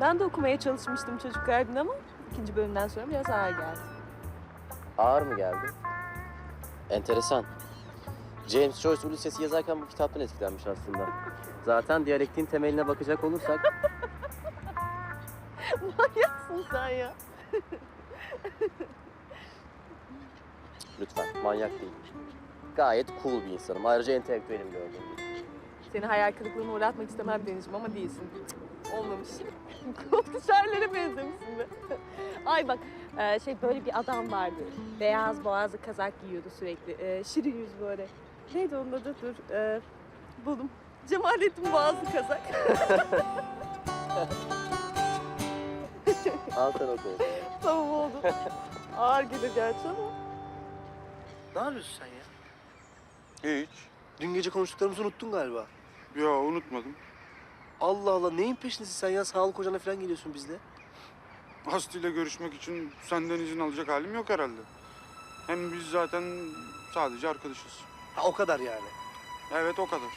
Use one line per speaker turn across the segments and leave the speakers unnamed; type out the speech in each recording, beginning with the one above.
Ben de okumaya çalışmıştım çocuk kalbini ama ikinci bölümden sonra biraz ağır geldi.
Ağır mı geldi? Enteresan. James Joyce Ulysses'i yazarken bu kitaptan etkilenmiş aslında. Zaten diyalektin temeline bakacak olursak...
Manyaksın sen ya.
Lütfen, manyak değil. Gayet cool bir insanım. Ayrıca entelektüelim gördüğüm gibi.
Seni hayal kırıklığına uğratmak istemem Denizciğim ama değilsin. Olmamış. Koltuk şairlere benzemişsin de. Ay bak, böyle bir adam vardı. Beyaz boğazlı kazak giyiyordu sürekli. Şirin yüz böyle. Neydi onun adı? Dur, buldum. Cemalettin Boğazlı kazak.
Al sen oku.
Tamam oldu. Ağır gelir gerçi ama.
Ne yapıyorsun sen ya?
Hiç.
Dün gece konuştuklarımızı unuttun galiba.
Ya unutmadım.
Allah Allah, neyin peşindesin sen ya? Sağlık ocağına falan geliyorsun bizle.
Aslı ile görüşmek için senden izin alacak halim yok herhalde. Hem biz zaten sadece arkadaşız.
Ha, o kadar yani.
Evet, o kadar.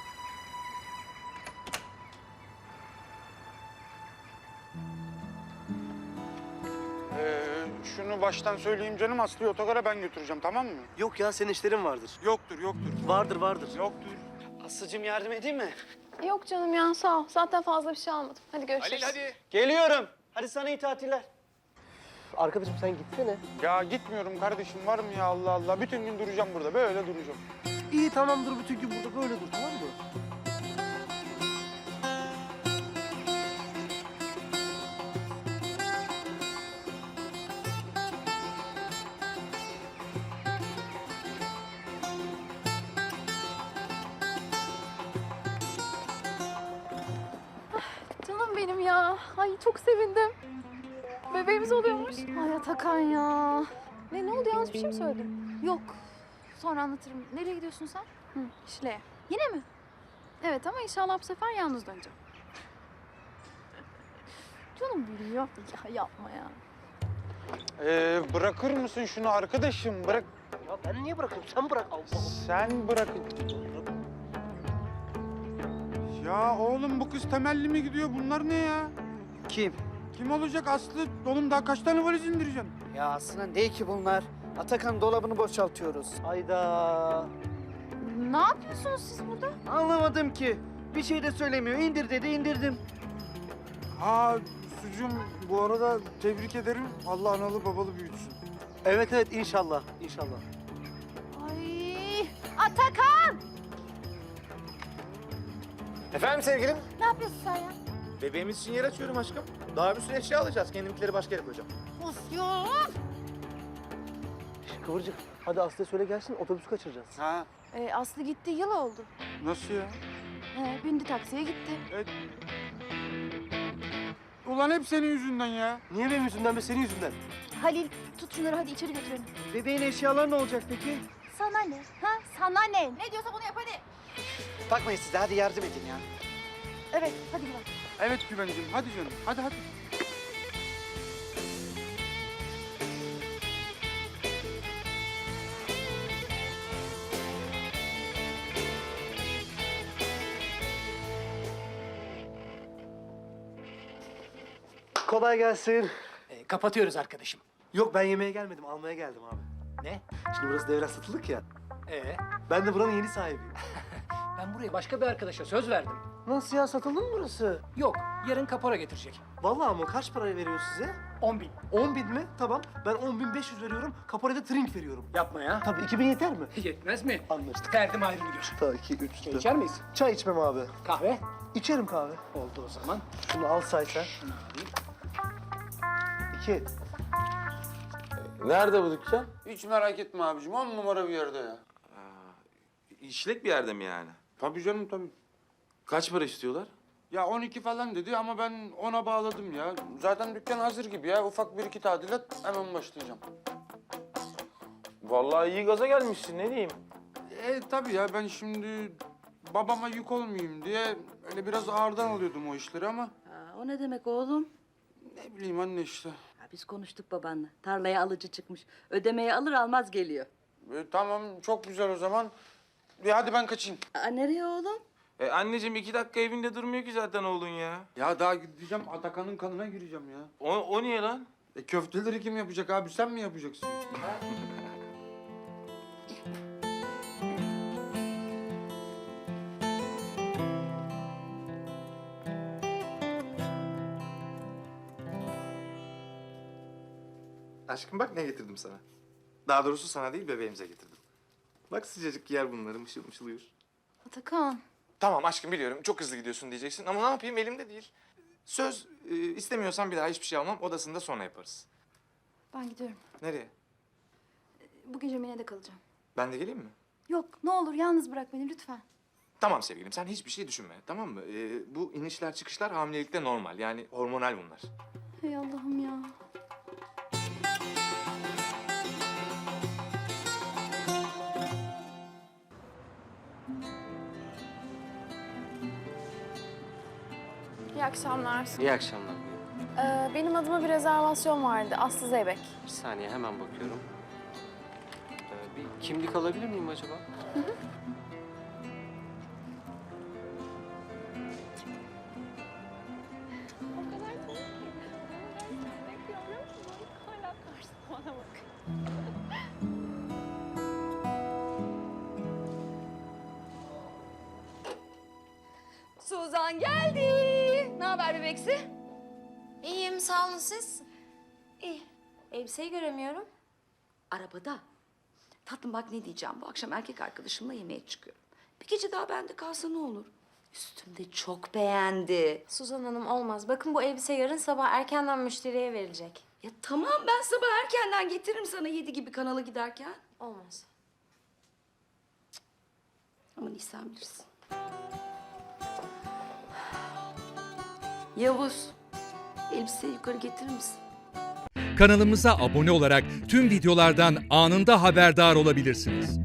Şunu baştan söyleyeyim canım, Aslı'yı otogara ben götüreceğim, tamam mı?
Yok ya, senin işlerin vardır.
Yoktur, yoktur.
Vardır, vardır.
Yoktur.
Aslıcığım, yardım edeyim mi?
Yok canım ya sağ ol. Zaten fazla bir şey almadım. Hadi görüşürüz.
Geliyorum. Hadi sana iyi tatiller.
Arkadaşım sen gitsene.
Ya gitmiyorum kardeşim, var mı ya, Allah Allah. Bütün gün duracağım burada, böyle duracağım.
İyi, tamam, dur bütün gün burada böyle dur, tamam mı?
Canım benim ya. Ay çok sevindim. Bebeğimiz oluyormuş. Ay Atakan ya. Ne oldu, yanlış bir şey mi söyledim? Yok. Sonra anlatırım. Nereye gidiyorsun sen? Şile'ye. Yine mi? Evet ama inşallah bu sefer yalnız döneceğim. Canım benim ya. Ya yapma ya.
Bırakır mısın şunu arkadaşım, bırak.
Ya ben niye bırakayım? Sen bırak. Allah Allah.
Sen bırakın. Ya oğlum, bu kız temelli mi gidiyor? Bunlar ne ya?
Kim?
Kim olacak Aslı? Oğlum daha kaç tane valiz indireceksin?
Ya aslında ne ki bunlar? Atakan'ın dolabını boşaltıyoruz.
Hayda.
Ne yapıyorsunuz siz burada?
Anlamadım ki. Bir şey de söylemiyor. İndir dedi, indirdim.
Ha sucum, bu arada tebrik ederim. Allah analı babalı büyütsün.
Evet evet, inşallah. İnşallah.
Ay Atakan!
Efendim sevgilim?
Ne yapıyorsun sen ya?
Bebeğimiz için yer açıyorum aşkım. Daha bir sürü eşya alacağız. Kendimkileri başka yere koyacağım.
Of ya!
Kıvırcık, hadi Aslı'ya söyle gelsin, otobüsü kaçıracağız.
Ha
Aslı gitti, yıl oldu.
nasıl ya?
Bindi taksiye gitti.
Ulan hep senin yüzünden ya.
Niye benim yüzümden be, senin yüzünden?
Halil tut şunları, hadi içeri götürelim.
Bebeğin eşyaları ne olacak peki?
Sana ne? Ha? Sana ne? Ne diyorsa bunu yap hadi.
Bakmayın siz de, hadi yardım edin ya.
Evet, hadi gidelim.
Evet Güvencim, hadi canım. Hadi hadi.
Kolay gelsin.
Kapatıyoruz arkadaşım.
Yok, ben yemeğe gelmedim, almaya geldim abi.
Ne?
Şimdi burası devre satılık ya.
Ee,
Ben de buranın yeni sahibiyim.
ben buraya başka bir arkadaşa söz verdim.
Nasıl ya, satıldı mı burası?
Yok, yarın kapora getirecek.
Vallahi ama kaç para veriyor size?
10.000.
10.000 mi? Tamam. Ben 10.500 veriyorum. Kaporaya da trink veriyorum.
Yapma ya.
Tabii 2.000 yeter mi?
Yetmez mi?
Anlaştık.
Verdim ayrını gör.
Ta 2, 3,
Çay
4.
içer miyiz?
Çay içmem abi.
Kahve?
İçerim kahve.
Oldu o zaman.
Şunu al say sen.
Şunu alayım.
2.
Nerede bu dükkan?
Hiç merak etme abicim, 10 numara bir yerde ya.
İşlek bir yerde mi yani?
Tabii canım tabii.
Kaç para istiyorlar?
Ya 12 falan dedi ama ben 10'a bağladım ya. Zaten dükkan hazır gibi ya. Ufak bir iki tadilat, hemen başlayacağım.
Vallahi iyi gaza gelmişsin, ne diyeyim?
Tabii ya, ben şimdi babama yük olmayayım diye öyle biraz ağırdan alıyordum o işleri ama
O ne demek oğlum?
ne bileyim anne işte.
Ya biz konuştuk babanla. Tarlaya alıcı çıkmış. Ödemeyi alır almaz geliyor.
Tamam, çok güzel o zaman. Hadi ben kaçayım.
Nereye oğlum?
Anneciğim 2 dakika evinde durmuyor ki zaten oğlun ya.
Ya daha gideceğim Atakan'ın kanına gireceğim ya.
O niye lan?
Köfteleri kim yapacak abi, sen mi yapacaksın?
Aşkım bak ne getirdim sana. Daha doğrusu sana değil bebeğimize getirdim. Bak sıcacık yer bunları mışıl mışıl uyur.
Atakan.
Tamam aşkım biliyorum çok hızlı gidiyorsun diyeceksin ama ne yapayım elimde değil. Söz istemiyorsan bir daha hiçbir şey almam, odasında sonra yaparız.
Ben gidiyorum.
Nereye?
Bu gece Mine'de kalacağım.
Ben de geleyim mi?
Yok ne olur yalnız bırak beni lütfen.
Tamam sevgilim sen hiçbir şey düşünme tamam mı? Bu inişler çıkışlar hamilelikte normal yani hormonal bunlar.
Hey Allah'ım ya.
İyi akşamlar.
İyi akşamlar.
Benim adıma bir rezervasyon vardı. Aslı Zeybek.
Bir saniye hemen bakıyorum. Bir kimlik alabilir miyim acaba?
Suzan geldi. Ne haber bebeksi?
İyiyim, sağ olun siz.
İyi.
Elbiseyi göremiyorum.
Arabada. Tatlım bak ne diyeceğim. Bu akşam erkek arkadaşımla yemeğe çıkıyorum. Bir gece daha bende kalsa ne olur? Üstümde çok beğendi.
Suzan Hanım olmaz. Bakın bu elbise yarın sabah erkenden müşteriye verilecek.
Ya tamam ben sabah erkenden getiririm sana 7 gibi kanala giderken.
Olmaz.
Ama iyi sen bilirsin. Yavuz, elbiseyi yukarı getirir misin?
Kanalımıza abone olarak tüm videolardan anında haberdar olabilirsiniz.